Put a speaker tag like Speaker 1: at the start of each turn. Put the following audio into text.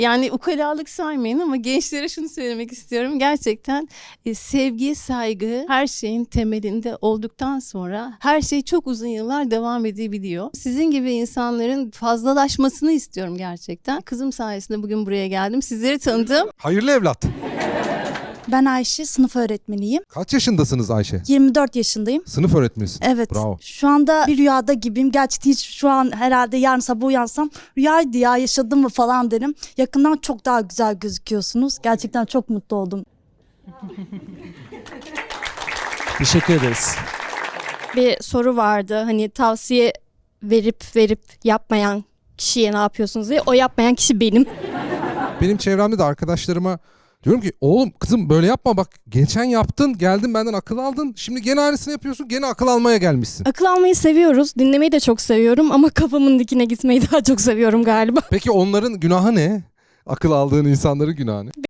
Speaker 1: Yani ukalalık saymayın ama gençlere şunu söylemek istiyorum. Gerçekten sevgi, saygı her şeyin temelinde olduktan sonra her şey çok uzun yıllar devam edebiliyor. Sizin gibi insanların fazlalaşmasını istiyorum gerçekten. Kızım sayesinde bugün buraya geldim. Sizleri tanıdım.
Speaker 2: Hayırlı evlat.
Speaker 3: Ben Ayşe, sınıf öğretmeniyim.
Speaker 2: Kaç yaşındasınız Ayşe?
Speaker 3: 24 yaşındayım.
Speaker 2: Sınıf öğretmenisin.
Speaker 3: Evet.
Speaker 2: Bravo.
Speaker 3: Şu anda bir rüyada gibiyim. Gerçekten hiç şu an herhalde yarın sabah uyansam rüyaydı ya, yaşadım mı falan derim. Yakından çok daha güzel gözüküyorsunuz. Gerçekten çok mutlu oldum.
Speaker 4: Teşekkür ederiz.
Speaker 5: Bir soru vardı, hani tavsiye verip yapmayan kişiye ne yapıyorsunuz diye. O yapmayan kişi benim.
Speaker 2: Benim çevremde de arkadaşlarıma diyorum ki oğlum kızım böyle yapma bak, geçen yaptın geldin benden akıl aldın, şimdi gene aynısını yapıyorsun, gene akıl almaya gelmişsin.
Speaker 5: Akıl almayı seviyoruz, dinlemeyi de çok seviyorum ama kafamın dikine gitmeyi daha çok seviyorum galiba.
Speaker 2: Peki onların günahı ne? Akıl aldığın insanların günahı ne?